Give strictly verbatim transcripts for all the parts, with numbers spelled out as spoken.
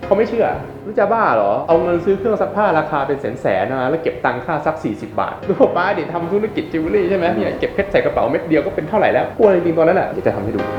เขาไม่เชื่อรู้จะบ้าเหรอเอาเงินซื้อเครื่องซักผ้าราคาเป็นแสนแสนนะแล้วเก็บตังค่าซักสี่สิบบาทดูป้าดิทำธุรกิจจิวเวลรี่ใช่ไหมเนี่ยเก็บเพชรใส่กระเป๋าเม็ดเดียวก็เป็นเท่าไหร่แล้วกลัวจริงๆตอนนั้นแหละเดี๋ยวจะทำให้ดู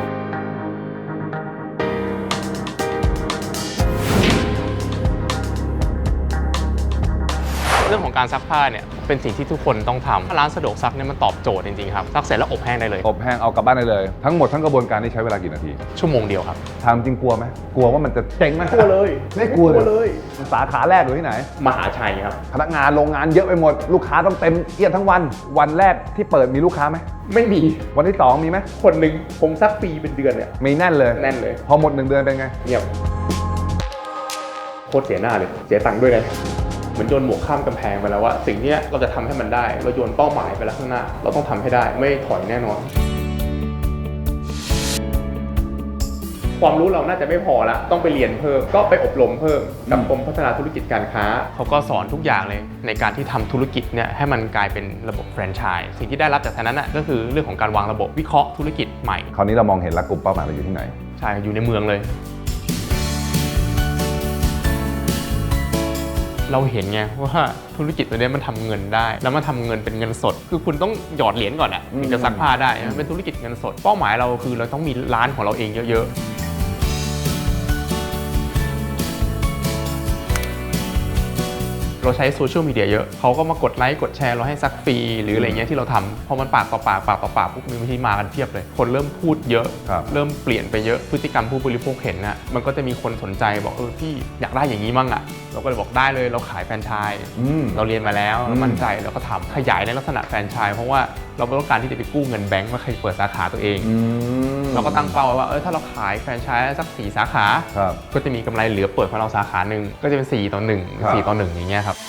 เรื่องของการซักผ้าเนี่ยเป็นสิ่งที่ทุกคนต้องทำร้านสะดวกซักเนี่ยมันตอบโจทย์จริงๆครับซักเสร็จแล้วอบแห้งได้เลยอบแห้งเอากลับบ้านได้เลยทั้งหมดทั้งกระบวนการนี้ใช้เวลากี่นาทีชั่วโมงเดียวครับทำจริงกลัวไหมกลัวว่ามันจะเจ๊งไหมกลัวเลยไม่กลัวเลยสาขาแรกอยู่ที่ไหนมหาชัยครับพนักงานโรงงานเยอะไปหมดลูกค้าต้องเต็มเอียดทั้งวันวันแรกที่เปิดมีลูกค้าไหมไม่มีวันที่สองมีไหมคนหนึ่งผมซักฟรีเป็นเดือนเนี่ยมีแน่นเลยแน่นเลยพอหมดหนึ่งเดือนเป็นไงเงียบโคตรเสียหน้าเลยเสียตังค์ด้วยนะเหมือนโยนหมวกข้ามกำแพงไปแล้วว่าสิ่งนี้เราจะทำให้มันได้เราโยนเป้าหมายไปแล้วข้างหน้าเราต้องทำให้ได้ไม่ถอยแน่นอนความรู้เราน่าจะไม่พอละต้องไปเรียนเพิ่มก็ไปอบรมเพิ่มกับกรมพัฒนาธุรกิจการค้าเขาก็สอนทุกอย่างเลยในการที่ทำธุรกิจเนี่ยให้มันกลายเป็นระบบแฟรนไชส์สิ่งที่ได้รับจากนั้นน่ะก็คือเรื่องของการวางระบบวิเคราะห์ธุรกิจใหม่คราวนี้เรามองเห็นแล้วกลุ่มเป้าหมายเราอยู่ที่ไหนใช่อยู่ในเมืองเลยเราเห็นไงว่าธุรกิจตัวนี้มันทำเงินได้แล้วมันทำเงินเป็นเงินสดคือคุณต้องหยอดเหรียญก่อนอะถึงจะซักผ้าได้มันเป็นธุรกิจเงินสดเป้าหมายเราคือเราต้องมีร้านของเราเองเยอะๆเราใช้โซเชียลมีเดียเยอะเขาก็มากดไลค์กดแชร์เราให้ซักฟรีหรืออะไรเงี้ยที่เราทำพอมันปากต่อปากปากต่อปากปุ๊บมีวิธีมากันเพียบเลยคนเริ่มพูดเยอะเริ่มเปลี่ยนไปเยอะพฤติกรรมผู้บริโภคเห็นนะมันก็จะมีคนสนใจบอกเออพี่อยากได้อย่างนี้มั่งอ่ะเราก็เลยบอกได้เลยเราขายแฟรนไชส์เราเรียนมาแล้วเรามั่นใจเราก็ทำขยายในลักษณะแฟรนไชส์เพราะว่าเราไม่ต้องการที่จะไปกู้เงินแบงก์มาใครเปิดสาขาตัวเองเราก็ตั้งเป้าไว้ว่าเออถ้าเราขายแฟรนไชส์สักสี่สาขาก็จะมีกำไรเหลือเปิดของเราสาขาหนึ่งก็จะเป็นสี่ต่อหนึ่งสี่ต่อหนึ่งอย่างเงี้ยครับ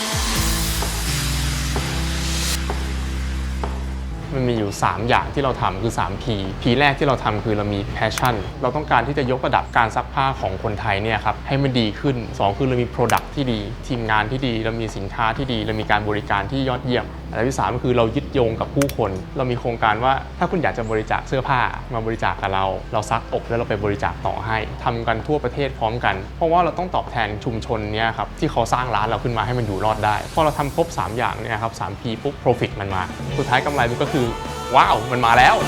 มันมีอยู่สามอย่างที่เราทำคือ สาม พี พี แรกที่เราทำคือเรามี passion เราต้องการที่จะยกระดับการซักผ้าของคนไทยเนี่ยครับให้มันดีขึ้นสองคือเรามี product ที่ดีทีมงานที่ดีเรามีสินค้าที่ดีเรามีการบริการที่ยอดเยี่ยมอันที่สามก็คือเรายึดโยงกับผู้คนเรามีโครงการว่าถ้าคุณอยากจะบริจาคเสื้อผ้ามาบริจาคกับเราเราซักอบแล้วเราไปบริจาคต่อให้ทำกันทั่วประเทศพร้อมกันเพราะว่าเราต้องตอบแทนชุมชนเนี่ยครับที่เขาสร้างร้านเราขึ้นมาให้มันอยู่รอดได้พอเราทำครบสามอย่างเนี่ยครับ สาม พี ปุ๊บ profit มันมาสุดท้ายกำไรมันก็คือว้าวมันมาแล้ว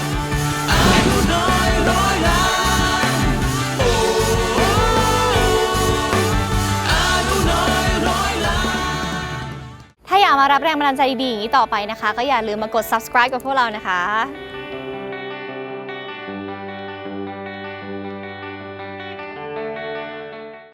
ถ้าอยากมารับแรงบันดาลใจดีๆอย่างนี้ต่อไปนะคะก็อย่าลืมมากด ซับสไครบ์ กับพวกเรานะคะ